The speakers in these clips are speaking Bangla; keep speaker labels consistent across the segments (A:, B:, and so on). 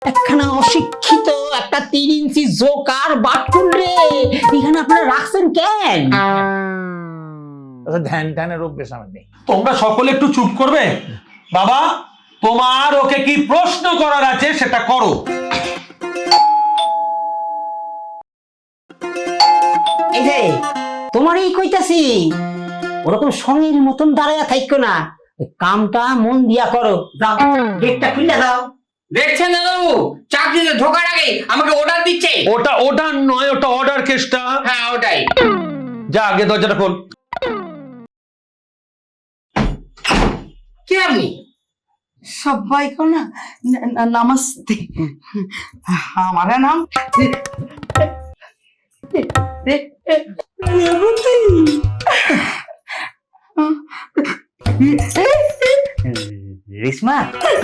A: একখানা অশিক্ষিত একটা 3 ইঞ্চি জোকার বাটকুল রে এখানে আপনারা রাখছেন কেন?
B: ধ্যান ধ্যানের অভ্যেস আমার নেই।
C: তোমরা সকলে একটু চুপ করবে? বাবা, তোমার ওকে কি প্রশ্ন করার আছে সেটা করো।
A: এই যে তোমারই কইতাছি, ওরকম সঙ্গের মতন দাঁড়ায়া থাইকো না, কামটা মন দিয়া করো। যাও গেটটা খুলে দাও।
D: দেখছেন দাদাবু, চাকরিতে ঢোকার আগে আমাকে অর্ডার দিচ্ছে।
C: ওটা নয়, ওটা অর্ডার কেসটা।
D: হ্যাঁ ওটাই।
C: যা আগে দরজাটা খোল।
D: কে আপনি?
E: सबको ना नमस्ते। हमारा नाम
A: রেশমা,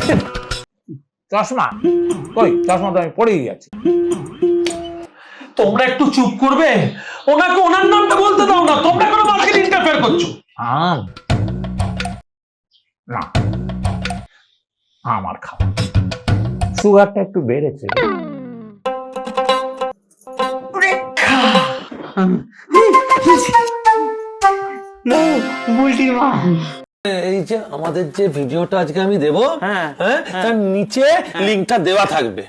B: চশমা কই? চশমা তো আমি পড়েই গেছি।
C: তোমরা একটু চুপ করবে? ওনাকে ওনার নামটা বলতে দাও না, তোমরা কোনো মার্কেট ইন্টারফেয়ার করছো।
B: আম না, আমার খাওয়া সুগারটা একটু বেড়েছে।
F: এই যে আমাদের যে ভিডিওটা আজকে আমি দেবো, হ্যাঁ, তার নিচে লিংকটা দেওয়া থাকবে।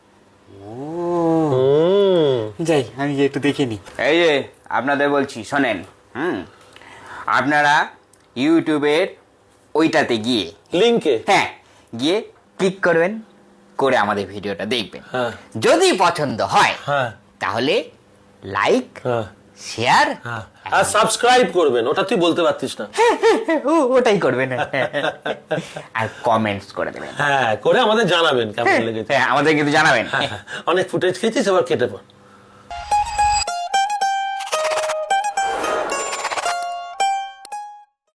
G: যাই আমি একটু দেখে নি।
D: এই যে আপনাদের বলছি শোনেন, আপনারা ইউটিউবের ওইটাতে গিয়ে
F: লিংকে
D: হ্যাঁ গিয়ে ক্লিক করবেন, করে আমাদের ভিডিওটা দেখবেন।
F: হ্যাঁ।
D: যদি পছন্দ হয়
F: হ্যাঁ
D: তাহলে লাইক,
F: হ্যাঁ
D: শেয়ার,
F: হ্যাঁ, আর সাবস্ক্রাইব করবেন। ওটা তুই বলতে পারতিস না।
D: ওটাই করবেন আর কমেন্টস করে দেবেন।
F: হ্যাঁ, করে আমাদের জানাবেন কেমন লেগেছে।
D: হ্যাঁ আমাদের কিন্তু জানাবেন।
F: অনেক ফুটেজ খেয়েছিস, এবার কেটে পড়।